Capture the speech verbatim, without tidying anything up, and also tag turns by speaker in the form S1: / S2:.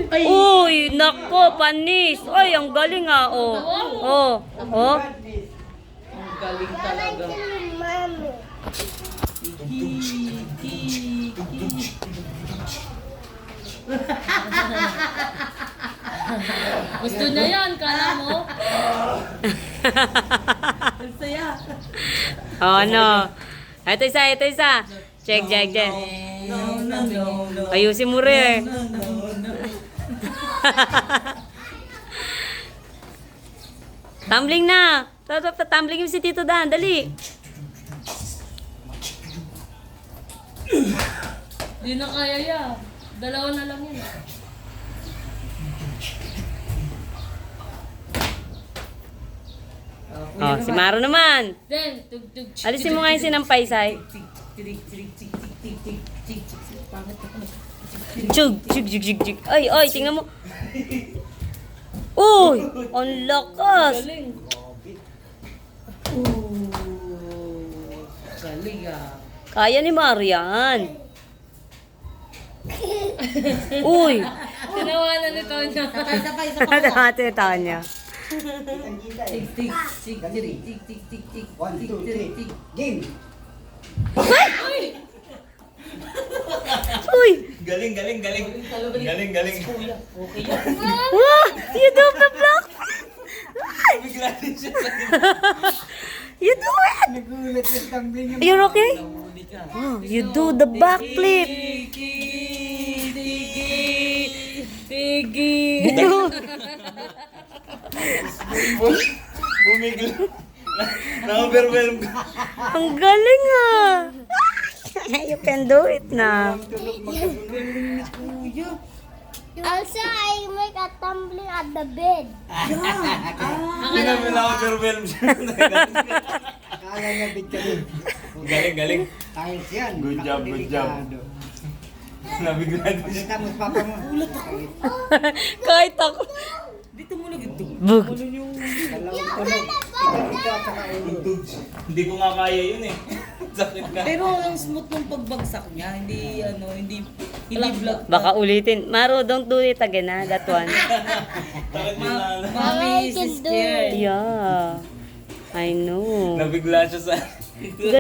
S1: Ay.
S2: Uy, nako, panis. Ay, ang galing ah. Oh. Oh. Oh.
S1: Ang galing talaga. Kiki, kiki.
S3: Gusto niya yan, kala mo?
S1: Ang saya.
S2: Oh, ano? Ito isa, ito isa. Check, check, check.
S1: No, no, no, no.
S2: Ayusin mo rin.
S1: No, no, no.
S2: Tumbling na. Tumbling mo si Tito Dan. Dali.
S3: Di na kaya ya. Dalawa na lang yan.
S2: Oh, si Maro naman.
S3: Then, tug tug.
S2: Alisin mo nga yung sinampay, Sai. Chug, chug, chug, chug, chug. Ay, ay, tingnan mo. Uy, ang lakas.
S3: Galing.
S1: Ooh, galing ah.
S2: Kaya ni Marian. Uy.
S3: Tinawanan ni Tonya.
S1: Sabay, sabay, sabay.
S2: Ate Tanya.
S1: Tik, tik, tik, tik, tik, tik, tik, tik.
S4: One, two, three.
S1: Tik.
S4: Game!
S2: Uy.
S5: Galing, galing, galing. Galing, galing.
S1: Kuya, okay yan.
S2: Wow, you do the block.
S5: Bigla din siya sa
S2: You do it.
S4: Nagulat yung tumbling yung...
S2: You're okay?
S1: Nahuli ka.
S2: Oh, you do the backflip.
S1: Tiki, tiki.
S3: Tigi.
S5: Bumigla. Na-overwhelm ka.
S2: Ang galing ah. You can do it na.
S6: Also, I make a tumbling at the bed.
S5: Hindi namin na-overwhelm siya.
S4: Akala niya big ka rin.
S5: Galing, galing.
S4: Ayos yan.
S5: Good job, good job. Nabigla din siya.
S4: Pagkatapos papa mo.
S2: Kahit ako.
S1: Dito mo na gito.
S2: Bug.
S4: Dalawang tulog. Ito, ito at saka ulo.
S5: Hindi ko nga kaya yun eh. Sakit ka.
S1: Pero ang smooth ng pagbagsak niya, hindi ano, hindi hindi vlog.
S2: Baka ulitin. Maro, don't do it again ha, that one.
S5: Sakit din na.
S1: Mommy
S6: I can
S1: is
S6: do
S1: scared.
S2: Yeah. I know.
S5: Nabigla siya sa...